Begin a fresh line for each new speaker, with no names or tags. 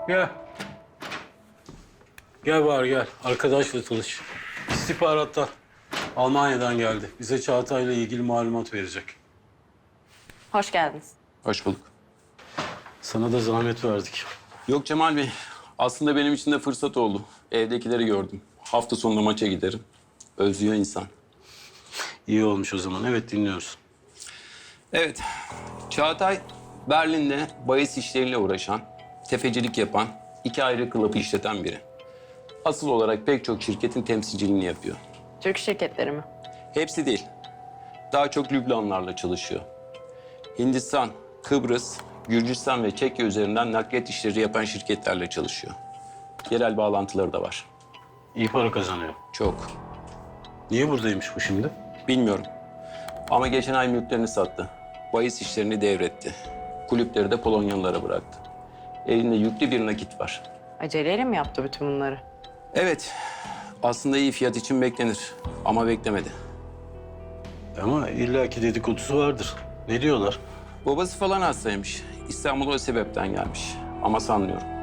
Gel. Gel bari gel. Arkadaşla tanış. İstihbarattan. Almanya'dan geldi. Bize Çağatay'la ilgili malumat verecek.
Hoş geldiniz.
Hoş bulduk.
Sana da zahmet verdik.
Yok Cemal Bey, aslında benim için de fırsat oldu. Evdekileri gördüm. Hafta sonunda maça giderim. Özlüyor insan.
İyi olmuş o zaman. Evet, dinliyoruz.
Evet, Çağatay Berlin'de bahis işleriyle uğraşan, tefecilik yapan, 2 ayrı klubı işleten biri. Asıl olarak pek çok şirketin temsilciliğini yapıyor.
Türk şirketleri mi?
Hepsi değil. Daha çok Lübnanlarla çalışıyor. Hindistan, Kıbrıs, Gürcistan ve Çekya üzerinden nakliyat işleri yapan şirketlerle çalışıyor. Yerel bağlantıları da var.
İyi para kazanıyor.
Çok.
Niye buradaymış bu şimdi?
Bilmiyorum. Ama geçen ay mülklerini sattı. Bahis işlerini devretti. Kulüpleri de Polonyalılara bıraktı. Elinde yüklü bir nakit var.
Aceleyle mi yaptı bütün bunları?
Evet, aslında iyi fiyat için beklenir. Ama beklemedi.
Ama illaki dedikodusu vardır. Ne diyorlar?
Babası falan hastaymış. İstanbul'a o sebepten gelmiş. Ama sanmıyorum.